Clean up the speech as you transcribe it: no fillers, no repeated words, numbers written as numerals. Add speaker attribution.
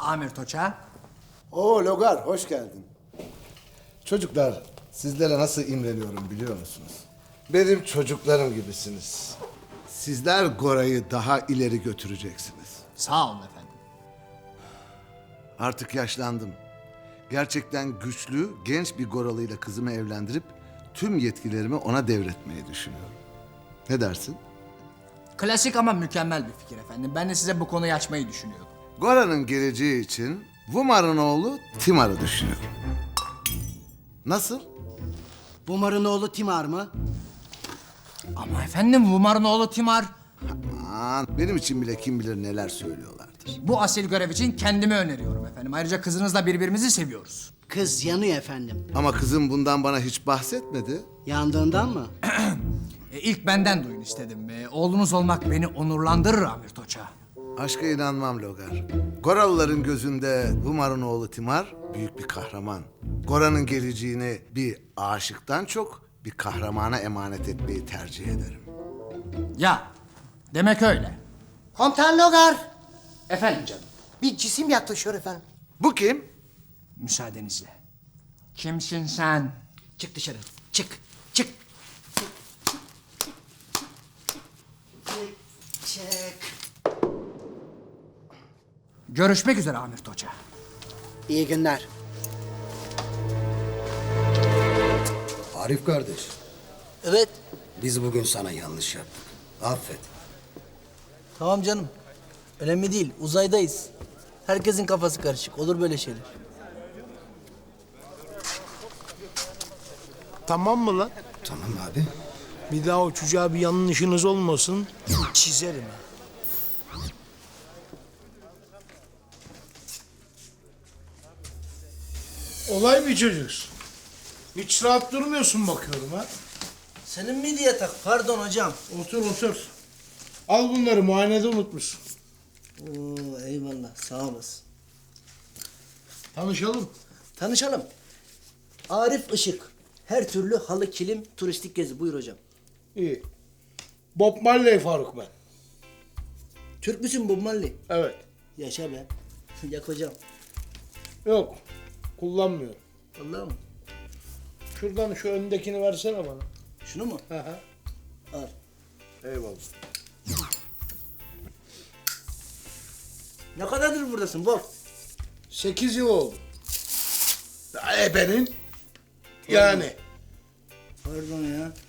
Speaker 1: Amir Toça.
Speaker 2: Oo Logar, hoş geldin. Çocuklar, sizlere nasıl imreniyorum biliyor musunuz? Benim çocuklarım gibisiniz. Sizler Gora'yı daha ileri götüreceksiniz.
Speaker 1: Sağ olun efendim.
Speaker 2: Artık yaşlandım. Gerçekten güçlü, genç bir Goralı'yla kızımı evlendirip tüm yetkilerimi ona devretmeyi düşünüyorum. Ne dersin?
Speaker 1: Klasik ama mükemmel bir fikir efendim. Ben de size bu konuyu açmayı düşünüyordum.
Speaker 2: Gora'nın geleceği için Vumar'ın oğlu Timar'ı düşünüyorum. Nasıl?
Speaker 3: Bumar'ın oğlu Timar mı?
Speaker 1: Ama efendim Vumar'ın oğlu Timar.
Speaker 2: Aman, benim için bile kim bilir neler söylüyorlardır.
Speaker 1: Bu asil görev için kendimi öneriyorum efendim. Ayrıca kızınızla birbirimizi seviyoruz.
Speaker 3: Kız yanıyor efendim.
Speaker 2: Ama kızım bundan bana hiç bahsetmedi.
Speaker 3: Yandığından mı?
Speaker 1: İlk benden duyun istedim. Oğlunuz olmak beni onurlandırır Amir Toça.
Speaker 2: Aşka inanmam Logar. Goralıların gözünde Vumar'ın oğlu Timar büyük bir kahraman. Gora'nın geleceğini bir aşıktan çok bir kahramana emanet etmeyi tercih ederim.
Speaker 1: Ya, demek öyle.
Speaker 4: Komutan Logar,
Speaker 1: Efendim canım,
Speaker 4: bir cisim yaklaşıyor efendim.
Speaker 2: Bu kim?
Speaker 1: müsaadenizle. Kimsin sen?
Speaker 3: Çık dışarı. Çık. Çık. Çık.
Speaker 1: Görüşmek üzere Amir Toça.
Speaker 4: İyi günler.
Speaker 5: Arif kardeş,
Speaker 3: Evet.
Speaker 5: biz bugün sana yanlış yaptık. Affet.
Speaker 6: Tamam canım. Önemli değil. Uzaydayız. Herkesin kafası karışık. Olur böyle şeyler.
Speaker 7: Tamam mı lan?
Speaker 5: Tamam abi.
Speaker 7: Bir daha o çocuğa bir yanlışınız olmasın. Çizerim ha. Olay bir çocuksun. Hiç rahat durmuyorsun bakıyorum ha.
Speaker 6: Senin miydi yatak? Pardon hocam.
Speaker 7: Otur otur. Al bunları, muayenede unutmuşsun.
Speaker 6: Oo, eyvallah. Sağ olasın.
Speaker 7: Tanışalım.
Speaker 6: Tanışalım. Arif Işık. Her türlü halı, kilim, turistik gezi. Buyur hocam.
Speaker 7: İyi. Bob Marley Faruk ben.
Speaker 6: Türk müsün Bob Marley?
Speaker 7: Evet.
Speaker 6: Yaşa be. Yak hocam.
Speaker 7: Yok. Kullanmıyorum.
Speaker 6: Vallahi mı?
Speaker 7: Şuradan şu öndekini versene bana.
Speaker 6: Şunu mu?
Speaker 7: Hı hı.
Speaker 6: Al.
Speaker 7: Eyvallah.
Speaker 6: Ne kadardır buradasın Bob?
Speaker 7: 8 yıl oldu. Ya ebenin. Yani.
Speaker 6: Pardon ya.